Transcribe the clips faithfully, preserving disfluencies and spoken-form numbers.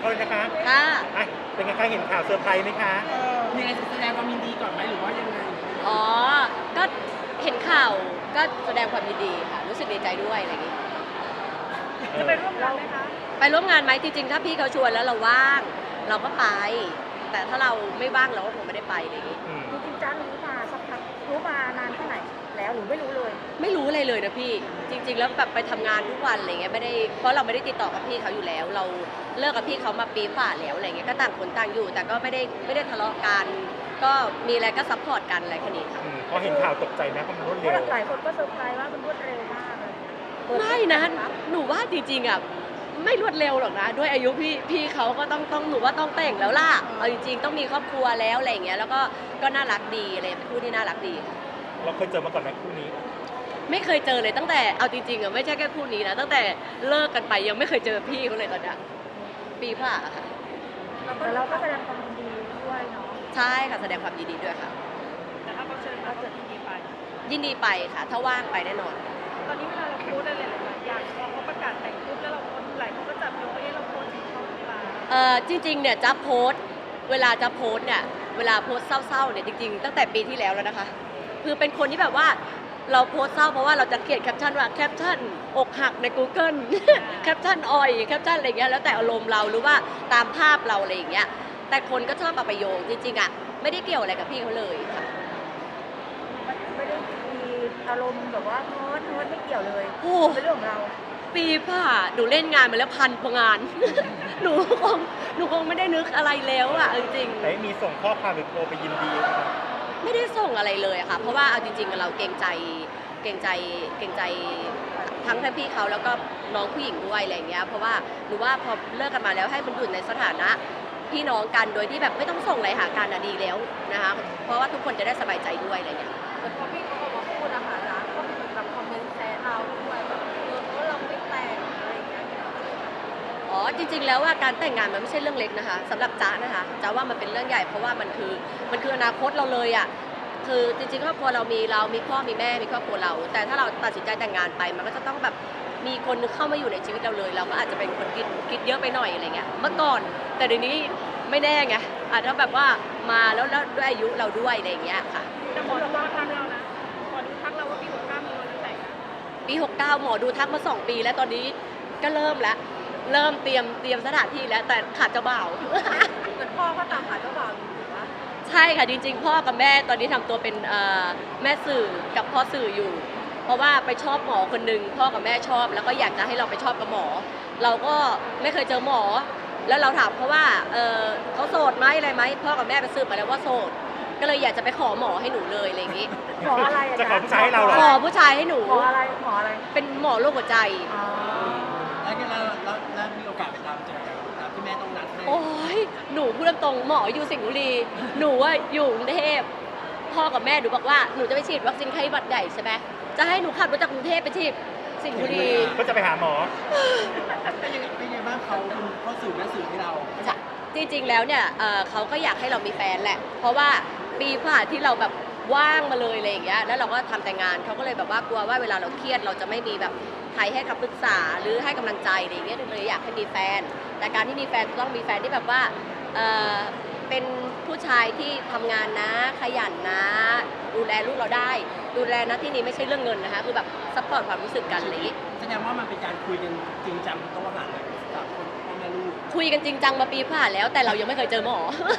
เขาเลยนะคะค่ะอ่ะเป็นไงคะเห็นข่าวเซอร์ไพรส์ไหมคะมีอะไรแสดงความยินดีก่อนไหมหรือว่ายังไงอ๋อก็เห็นข่าวก็แสดงความยินดีค่ะรู้สึกดีใจด้วยอะไรอย่างงี้จะไปร่วมงานไหมคะไปร่วมงานไหมจริงๆถ้าพี่เขาชวนแล้วเราว่างเราก็ไป แต่ถ้าเราไม่ว่างเราก็คงไม่ได้ไปอะไรอย่างงี้อืมจริงๆจ้ารู้มาสักพักรู้มานานแค่ไหนแล้วหรือไม่รู้เลยไม่รู้อะไรเลยนะพี่จริง ๆ แล้วแบบไปทำงานทุกวันอะไรเงี้ยไม่ได้เพราะเราไม่ได้ติดต่อกับพี่เขาอยู่แล้ว เราเลิกกับพี่เขามาปีฝ่าแล้วอะไรเงี้ยก็ต่างคนต่างอยู่ แต่ก็ไม่ได้ไม่ได้ทะเลาะกันก็มีอะไรก็ซัพพอร์ตกันอะไรแค่นี้ค่ะอืมพอเห็นข่าวตกใจไหมเพราะมันรวดเพเร็วราะหลายคนก็เซอร์ไพรส์ว่ามันรวดเร็วมากเลยเปิดไม่นะหนูว่าจริงๆอ่ะไม่รวดเร็วหรอกนะด้วยอายุพี่พี่เขาก็ต้องต้องหนูว่าต้องแต่งแล้วล่ะเอาจริงๆต้องมีครอบครัวแล้วอะไรอย่างเงี้ยแล้วก็ก็น่ารักดีอะไรเป็นคู่ที่น่ารักดีค่ะเราเคยเจอมาก่อนไหมคู่นี้ไม่เคยเจอเลยตั้งแต่เอาจริงๆอ่ะไม่ใช่แค่คู่นี้นะตั้งแต่เลิกกันไปยังไม่เคยเจอพี่เขาเลยตอนเนี้ยปีผ่าค่ะแต่เราก็แสดงความยินดีด้วยเนาะใช่ค่ะแสดงความยินดีด้วยค่ะแต่ถ้าเขาเชิญเราจะยินดีไปยินดีไปค่ะ ถ้าว่างไปแน่นอนตอนนี้เวลาเราโพสอะไรหลายๆอย่างพอเขาประกาศแต่งปุ๊บแล้วเราโพสหลายคนก็จับโยงว่าเราโพสถึงเขาหรือเปล่าเอ่อจริงๆเนี่ยจะโพสต์เวลาจะโพสต์เนี่ยเวลาโพสต์เศร้าๆเนี่ยจริงๆตั้งแต่ปีที่แล้วแล้วนะคะคือเป็นคนที่แบบว่าเราโพสต์เศร้าเพราะว่าเราจะเขียนแคปชั่นว่าแคปชั่นอกหักใน Google แคปชั่นอ่อยแคปชั่นอะไรเงี้ยแล้วแต่อารมณ์เราหรือว่าตามภาพเราอะไรอย่างเงี้ยแต่คนก็ชอบเอาไปโยงจริงๆอ่ะไม่ได้เกี่ยวอะไรกับพี่เขาเลยค่ะไม่ได้มีอารมณ์แบบว่าโน้ตโน้ตไม่เกี่ยวเลยโอ้เป็นเรื่องของเราปีผ่าหนูเล่นงานมาแล้วพันกว่างาน หนูคงหนูคงไม่ได้นึกอะไรแล้วอ่ะจริงๆแต่มีส่งข้อความหรือโทรไปยินดีไหมคะไม่ได้ส่งอะไรเลยอะค่ะ เพราะว่าเอาจริงๆเราเกรงใจเกรงใจเกรงใจทั้งท่านพี่เขาแล้วก็น้องผู้หญิงด้วยอะไรอย่างเงี้ย เพราะว่าหนูว่าพอเลิกกันมาแล้วให้มันอยู่ในสถานะพี่น้องกันโดยที่แบบไม่ต้องส่งอะไรหากันอะดีแล้วนะคะ เพราะว่าทุกคนจะได้สบายใจด้วยอะไรอย่างเงี้ยแต่พอพี่เขาออกมาพูดนะคะนะก็เหมือนกับคอมเมนต์แซะเราด้วยแบบเออเพราะเราไม่แต่งอะไรอย่างเงี้ยอ๋อจริงๆแล้วว่าการแต่งงานมันไม่ใช่เรื่องเล็กนะคะสำหรับจ๊ะนะคะจ๊ะว่ามันเป็นเรื่องใหญ่เพราะว่ามันคือมันคืออนาคตเราเลยอะคือจริงๆครอบครัวเรามีเรามีพ่อมีแม่มีครอบครัวเรา แต่ถ้าเราตัดสินใจแต่งงานไปมันก็จะต้องแบบมีคนนึงเข้ามาอยู่ในชีวิตเราเลย เราก็อาจจะเป็นคนคิดคิดเยอะไปหน่อยอะไรเงี้ยเมื่อก่อนแต่เดี๋ยวนี้ไม่แน่ไงอาจจะแบบว่ามาแล้วแล้วด้วยอายุเราด้วยอะไรอย่างเงี้ยค่ะแต่หมอดูทักเรานะหมอดูทักเราว่าปีหกเก้ามีวันแต่งนะปีหกเก้าหมอดูทักมาสองปีแล้วตอนนี้ก็เริ่มแล้วเริ่มเตรียมเตรียมสถานที่แล้วแต่ขาดเจ้าบ่าวเหมือนพ่อก็ตามหาเจ้าบ่าวอยู่ถูกปะใช่ค่ะจริงๆพ่อกับแม่ตอนนี้ทำตัวเป็นแม่สื่อกับพ่อสื่ออยู่ เพราะว่าไปชอบหมอคนหนึ่งพ่อกับแม่ชอบแล้วก็อยากจะให้เราไปชอบกับหมอ เราก็ไม่เคยเจอหมอ แล้วเราถามเขาว่าเเขาโสดไหมอะไรไหมพ่อกับแม่ไปสืบมาแล้วว่าโสดก็เลยอยากจะไปขอหมอให้หนูเลยอะไรอย่างนี้หมออะไรจะขอผู้ชายให้เราเหรอขอผู้ชายให้หนูหมออะไรหมออะไรเป็นหมอโรคหัวใจแล้วก็เราเรามีโอกาสไปตามเจอตามที่แม่ต้องนัดให้โอ้ยหนูพูดตรงๆหมออยู่สิงห์บุรีหนูว่าอยู่กรุงเทพพ่อกับแม่หนูบอกว่าหนูจะไปฉีดวัคซีนไข้หวัดใหญ่ใช่ไหมจะให้หนูขับรถจากกรุงเทพไปฉีดสิงห์บุรีก็จะไปหาหมอเป็นยังไงเป็นยังไงบ้างเขาเป็นพ่อสื่อแม่สื่อให้เราจริงๆแล้วเนี่ยเเขาก็อยากให้เรามีแฟนแหละเพราะว่าปีผ่านที่เราแบบว่างมาเลยอะไรอย่างเงี้ยแล้วเราก็ทำแต่งานเขาก็เลยแบบว่ากลัวว่าเวลาเราเครียดเราจะไม่มีแบบใครให้คำปรึกษาหรือให้กำลังใจอะไรอย่างเงี้ยเลยอยากให้มีแฟนแต่การที่มีแฟนต้องมีแฟนที่แบบว่าเเป็นผู้ชายที่ทำงานนะขยันนะดูแลลูกเราได้ดูแลนะที่นี้ไม่ใช่เรื่องเงินนะคะคือแบบซัพพอร์ตความรู้สึกกันอะไรอย่างงี้แสดงว่ามันเป็นการคุยกันจริงจังต้องหาเลยสามคนพ่อแม่ลูกคุยกันจริงจังมาปีผ่านแล้วแต่เรายังไม่เคยเจอหมอ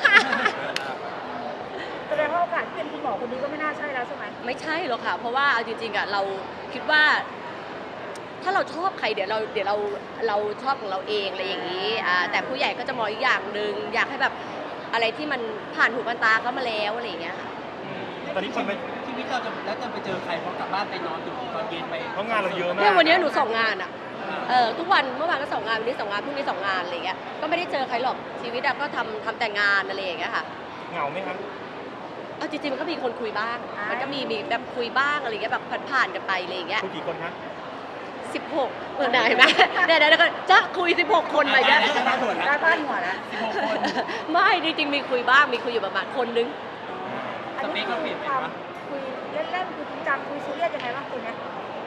แสดงว่าโอกาสที่เป็นคุณหมอคนนี้ก็ไม่น่าใช่แล้วใช่ไหมไม่ใช่หรอกค่ะเพราะว่าเอาจริงๆอ่ะเราคิดว่า ถ้าเราชอบใครเดี๋ยวเราเดี๋ยวเราเราชอบของเราเองอะไรอย่างนี้อ่าแต่ผู้ใหญ่ก็จะมองอีกอย่างหนึ่งอยากให้แบบอะไรที่มันผ่านหูผ่านตาเขามาแล้วอะไรอย่างเงี้ยค่ะตอนนี้คนไปชีวิตเราจะแล้วจะไปเจอใครพอกลับบ้านไปนอนถึงตอนเย็นไปเพราะงานเราเยอะมากเนี่ยวันนี้หนูสองงานอ่ะเออทุกวันเมื่อวานก็สองงานวันนี้สองงานพรุ่งนี้สองงานอะไรเงี้ยก็ไม่ได้เจอใครหรอกชีวิตก็ทำทำแต่งานอะไรอย่างเงี้ยค่ะเหงาไหมครับเอาจริงๆมันก็มีคนคุยบ้างมันก็มีมีแบบคุยบ้างอะไรเงี้ยแบบผ่านๆกันไปอะไรอย่างเงี้ยคุยกี่คนคะสิบหกเออไหนไหมเดี๋ยวเดี๋ยวก็จะคุยสิบหกคนไปเนี่ยได้บ้านหัวแล้วสิบหกคนไม่จริงๆมีคุยบ้างมีคุยอยู่ประมาณคนนึงสเปคเราเปลี่ยนไปปะคุยเล่นๆคุยจริงจังคุยซีเรียสยังไงบ้างคุณเนี่ย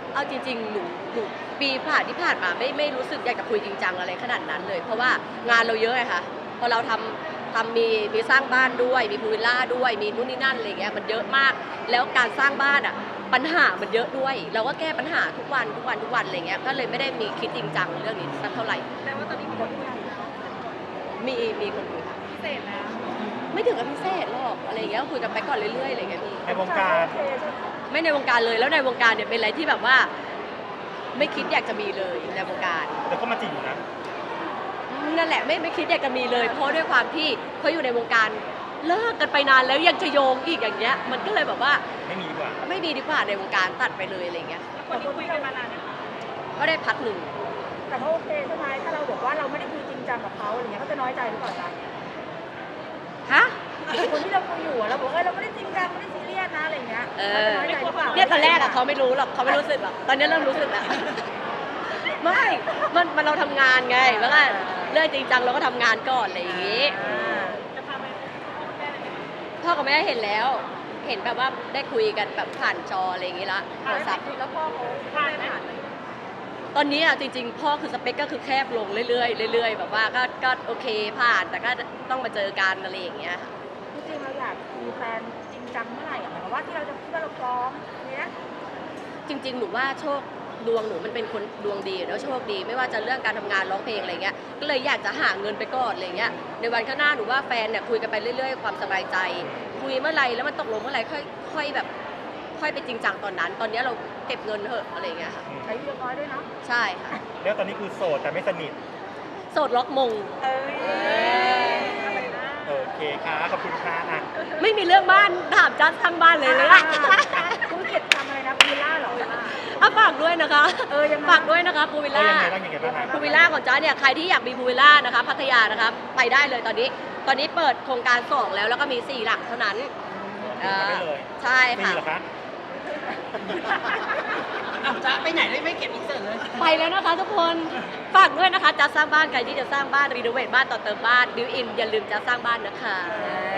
เอาจริงๆหนูหนูปีผ่านที่ผ่านมาไม่ไม่รู้สึกอยากจะคุยจริงจังอะไรขนาดนั้นเลย เพราะว่างานเราเยอะไงคะพอเราทำทำมีมีสร้างบ้านด้วยมีพูลวิลล่าด้วยมีนู่นนี่นั่นอะไรเงี้ยมันเยอะมากแล้วการสร้างบ้านอ่ะปัญหามันเยอะด้วย เราก็แก้ปัญหาทุกวันทุกวันทุกวันอะไรเงี้ยก็เลยไม่ได้มีคิดจริงจังเรื่องนี้สักเท่าไหร่แต่ว่าตอนนี้มีคนคุยแล้วมีมีคนคุยค่ะพิเศษนะไม่ถึงกับพิเศษหรอกอะไรเงี้ยคุยกันไปก่อนเรื่อยๆอะไรเงี้ยพี่ในวงการไม่ในวงการเลยแล้วในวงการเนี่ยเป็นอะไรที่แบบว่า ไม่คิดอยากจะมีเลยในวงการแต่ก็มาจีบอยู่นะนั่นแหละไม่ไม่คิดอยากจะมีเลย เพราะด้วยความที่เขาอยู่ในวงการเลิกกันไปนานแล้วยังจะโยงอีกอย่างเงี้ย มันก็เลยแบบว่าไม่มีดีกว่าไม่มีดีกว่าในวงการตัดไปเลยอะไรเงี้ยคนที่คุยกันมานานนะคะก็ได้พักหนึ่งแต่ก็โอเคใช่ไหมถ้าเราบอกว่าเราไม่ได้คุยจริงจังกับเขาอะไรเงี้ยเขาจะน้อยใจหรือเปล่าจ๊ะฮะคนที่เราคุยอยู่อะเราบอกว่าเราไม่ได้จริงจังไม่ได้ซีเรียสนะอะไรเงี้ยเอเขาอจะน้อยใจหรือเปล่าเนี่ยตอนแรกอะเขาไม่รู้หรอกเขาไม่รู้สึกหรอกตอนนี้เริ่มรู้สึกแล้ว ไม่มันมันเราทำงานไงแล้วก็เรื่องจริงจังเราก็ทำงานก่อนอะไรอย่างงี้อ่าจะพาไปพ่อแม่เลยไหมพ่อกับแม่เห็นแล้ว เห็นแบบว่าได้คุยกันแบบผ่านจออะไรอย่างงี้ละโทรศัพท์แล้วพ่อเขาผ่านไหมตอนนี้อ่ะจริงๆ พ่อคือสเปคก็คือแคบลงเรื่อยๆเรื่อยๆแบบว่าก็ก็โอเคผ่านแต่ก็ต้องมาเจอกันอะไรอย่างเงี้ยค่ะจริงๆเราอยากมีแฟนจริงจังเมื่อไหร่อะหมายความว่าที่เราจะคิดว่าเราพร้อมเนี้ยจริง ๆ หนูว่าโชคดวงหนูมันเป็นคนดวงดีแล้วโชคดีไม่ว่าจะเรื่องการทำงานร้องเพลงอะไรเงี้ยก็เลยอยากจะหาเงินไปก่อนอะไรเงี้ยในวันข้างหน้าหนูว่าแฟนเนี่ยคุยกันไปเรื่อยๆความสบายใจ คุยเมื่อไหรแล้วมันตกลงเมื่อไหรค่อยค่อยแบบค่อยไปจริงจังตอนนั้น ตอนนี้เราเก็บเงินเถอะอะไรเงี้ยค่ะใช้เยอะน้อยด้วยเนาะใช่ค่ะแล้วตอนนี้คือโสดแต่ไม่สนิทโสดล็อกมงเอ้ยโอเคค่ะขอบคุณค่ะอ่ะไม่มีเรื่องบ้านถามจัดทางบ้านเลยเลยอะคุณเก็บทำอะไรนะพูล่าเหรออ่ะฝากด้วยนะคะเออยังไงฝากด้วยนะคะพูวิลเอาล่ายังไงบ้างยังไงบ้างคะพูวิลล่าของจ้าเนี่ยใครที่อยากมีพูวิลล่านะคะพัทยานะคะไปได้เลยตอนนี้ ตอนนี้เปิดโครงการสองแล้วแล้วก็มีสี่หลักเท่านั้นเอ่ไม่อเลยใช่ไม่ค่ะมีเหรอคะอ้าวจ๊ะไปไหนได้ไม่เก็บอินเสิร์ตเลยไปแล้วนะคะทุกคนฝากด้วยนะคะจะสร้างบ้านใครที่จะสร้างบ้านรีโนเวทบ้านต่อเติมบ้านดิวอินอย่าลืมจะสร้างบ้านนะคะเออ